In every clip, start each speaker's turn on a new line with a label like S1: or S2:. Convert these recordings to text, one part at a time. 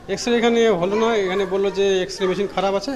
S1: X-ray এখানে হলো না, এখানে বললো যে এক্সরে মেশিন খারাপ আছে।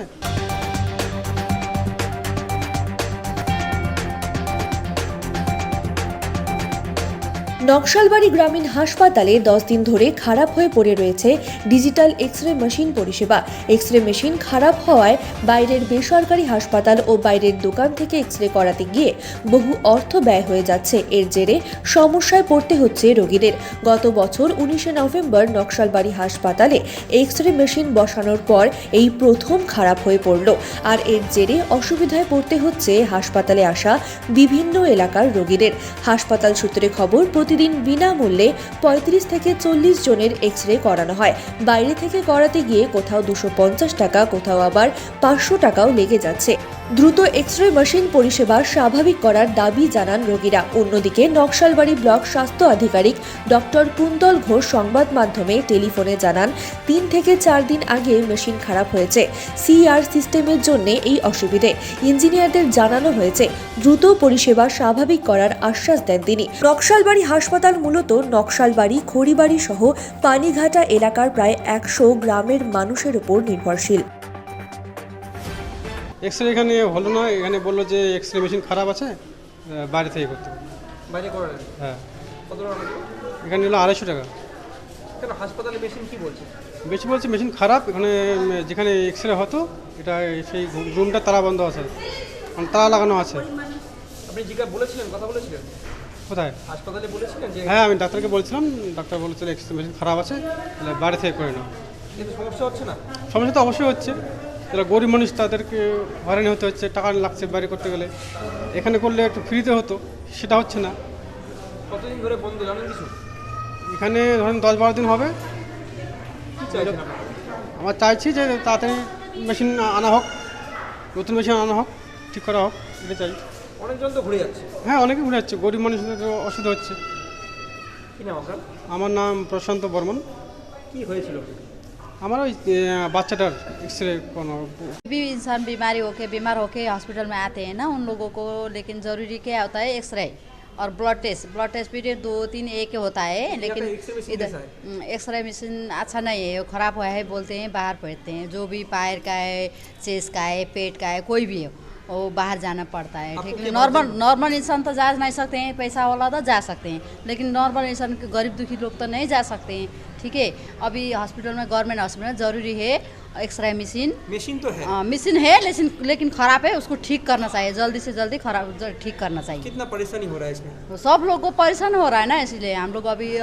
S2: নকশালবাড়ি গ্রামীণ হাসপাতালে 10 দিন ধরে খারাপ হয়ে পড়ে রয়েছে ডিজিটাল এক্স-রে মেশিন পরিষেবা। এক্স-রে মেশিন খারাপ হওয়ায় বাইরের বেসরকারি হাসপাতাল ও বাইরের দোকান থেকে এক্স-রে করাতে গিয়ে বহু অর্থ ব্যয় হয়ে যাচ্ছে। এর জেরে সমস্যায় পড়তে হচ্ছে রোগীদের। গত বছর 19শে নভেম্বর নকশালবাড়ি হাসপাতালে এক্স-রে মেশিন বসানোর পর এই প্রথম খারাপ হয়ে পড়ল। আর এর জেরে অসুবিধায় পড়তে হচ্ছে হাসপাতালে আসা বিভিন্ন এলাকার রোগীদের। হাসপাতাল সূত্রে খবর, প্রতিদিন বিনামূল্যে 35 থেকে 40 জনের এক্স-রে করানো হয়। বাইরে থেকে করাতে গিয়ে কোথাও 250 টাকা, কোথাও আবার 500 টাকাও লেগে যাচ্ছে। দ্রুত এক্স-রে মেশিন পরিষেবা স্বাভাবিক করার দাবি জানান রোগীরা। অন্যদিকে নকশালবাড়ি ব্লক স্বাস্থ্য আধিকারিক ডক্টর কুন্তল ঘোষ সংবাদ মাধ্যমে টেলিফোনে জানান, 3 থেকে 4 দিন আগে মেশিন খারাপ হয়েছে। সিআর সিস্টেমের জন্য এই অসুবিধে। ইঞ্জিনিয়ারদের জানানো হয়েছে, দ্রুত পরিষেবা স্বাভাবিক করার আশ্বাস দেন তিনি। নকশালবাড়ি হাসপাতাল মূলত নকশালবাড়ি, খড়িবাড়ি সহ পানিঘাটা এলাকার প্রায় 100 গ্রামের মানুষের উপর নির্ভরশীল।
S1: এক্সরে এখানে হলো না, এখানে বললো যে এক্সরে মেশিন খারাপ আছে, বাইরে থেকে করতে হবে।
S3: বাইরে করালেন?
S1: হ্যাঁ,
S3: কত টাকা লাগলো?
S1: এখানে হলো 250 টাকা।
S3: কেন হাসপাতালে মেশিন কি বলছে?
S1: বেশি বলছে মেশিন খারাপ। এখানে যেখানে এক্সরে হতো এটা সেই রুমটা তালা বন্ধ আছে, মানে তালা লাগানো আছে।
S3: আপনি বলেছিলেন, কথা বলেছিলেন
S1: কোথায়?
S3: হাসপাতালে বলেছিলেন যে
S1: হ্যাঁ, আমি ডাক্তারকে বলছিলাম, ডাক্তার বলেছিল এক্সরে মেশিন খারাপ আছে, তাহলে বাইরে থেকে করে নাও।
S3: কিন্তু সমস্যা হচ্ছে না?
S1: সমস্যা তো অবশ্যই হচ্ছে, যারা গরিব মানুষ তাদেরকে হয়রানি হতে হচ্ছে, টাকা লাগছে বাইরে করতে গেলে। এখানে করলে একটু ফ্রিতে হতো, সেটা হচ্ছে না।
S3: কতদিন ধরে বন্ধ জানেন কিছু?
S1: এখানে ধরেন 10-12 দিন হবে।
S3: কি চাইছেন আপনারা?
S1: আমার চাইছি যে তাড়াতাড়ি মেশিন আনা হোক, নতুন মেশিন আনা হোক, ঠিক করা হোক, এটা চাই।
S3: অনেকজন তো ঘুরে যাচ্ছে।
S1: হ্যাঁ, অনেকে ঘুরে যাচ্ছে, গরিব মানুষদের তো অসুবিধা হচ্ছে।
S3: কি নাম আপনার?
S1: আমার নাম প্রশান্ত বর্মন।
S3: কি হয়েছিল?
S1: আমার ওই বাচ্চাটার এক্সরে কোনো
S4: भी इंसान बीमार होके हॉस्पिटल में आते हैं ना, उन लोगों को लेकिन ज़रूरी क्या होता है, एक्सरे और ब्लड टेस्ट भी 2-3 एक होता है, लेकिन
S3: एक्सरे मशीन
S4: इधर
S3: कैसा है?
S4: एक्सरे मशीन अच्छा नहीं है, वो ख़राब हुआ है बोलते हैं, बाहर भेजते हैं। जो भी पैर का है, चेस्ट का है, पेट का है, कोई भी है वो बाहर जाना पड़ता है।
S3: आपको
S4: ठीक है,
S3: क्या
S4: नॉर्मल इंसान तो जा नहीं सकते हैं, पैसा वाला तो जा सकते हैं, लेकिन नॉर्मल इंसान गरीब दुखी लोग तो नहीं जा सकते हैं। ठीक है, अभी हॉस्पिटल में, गवर्नमेंट हॉस्पिटल में ज़रूरी है एक्सरे मशीन।
S3: मेशीन तो है,
S4: मशीन है, लेकिन ख़राब है, उसको ठीक करना चाहिए, जल्दी से जल्दी ठीक करना चाहिए।
S3: कितना परेशानी हो रहा है इसमें?
S4: तो सब लोग को परेशान हो रहा है ना, इसलिए हम लोग अभी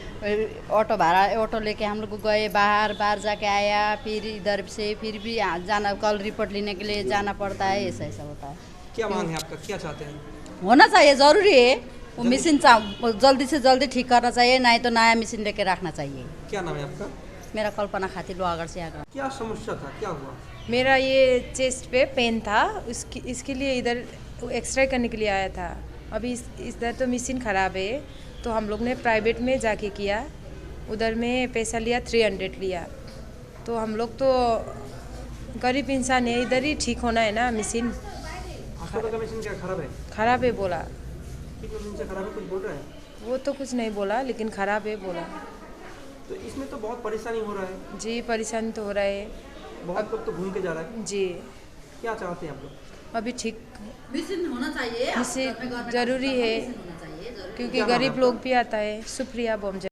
S4: ऑटो लेके हम लोग गए, बाहर जाके आया, फिर इधर से फिर भी जाना, कल रिपोर्ट लेने के लिए जाना पड़ता है, ऐसा होता है।
S3: क्या मांग है आपका, क्या चाहते हैं?
S4: होना चाहिए, ज़रूरी है वो मशीन, जल्दी से जल्दी ठीक करना चाहिए, नहीं तो नया मशीन लेके रखना चाहिए।
S3: क्या नाम है आपका?
S4: मेरा कल्पना खातिर लोहागढ़ से आगरा।
S3: क्या समस्या था, क्या हुआ?
S5: मेरा ये चेस्ट पे पेन था, इसके लिए इधर एक्सरे करने के लिए आया था। अभी इधर तो मशीन ख़राब है, तो हम लोग ने प्राइवेट में जाके किया, उधर में पैसा लिया 300 लिया। तो हम लोग तो गरीब इंसान है, इधर ही ठीक होना है ना मशीन।
S3: अस्पताल का मशीन क्या खराब है?
S5: ख़राब है बोला,
S3: कितने दिन से खराब है, कुछ बोल रहे हैं?
S5: वो तो कुछ नहीं बोला, लेकिन ख़राब है बोला।
S3: तो इसमें तो बहुत परेशानी हो रहा है,
S5: जी परेशानी तो हो रहा है
S3: बहुत लोग तो घूम के जा रहा है।
S5: जी।
S3: क्या चाहते हैं आप लोग?
S5: अभी ठीक
S4: मशीन होना चाहिए,
S5: मशीन ज़रूरी है, क्योंकि गरीब लोग भी आता है। सुप्रिया बोमजे।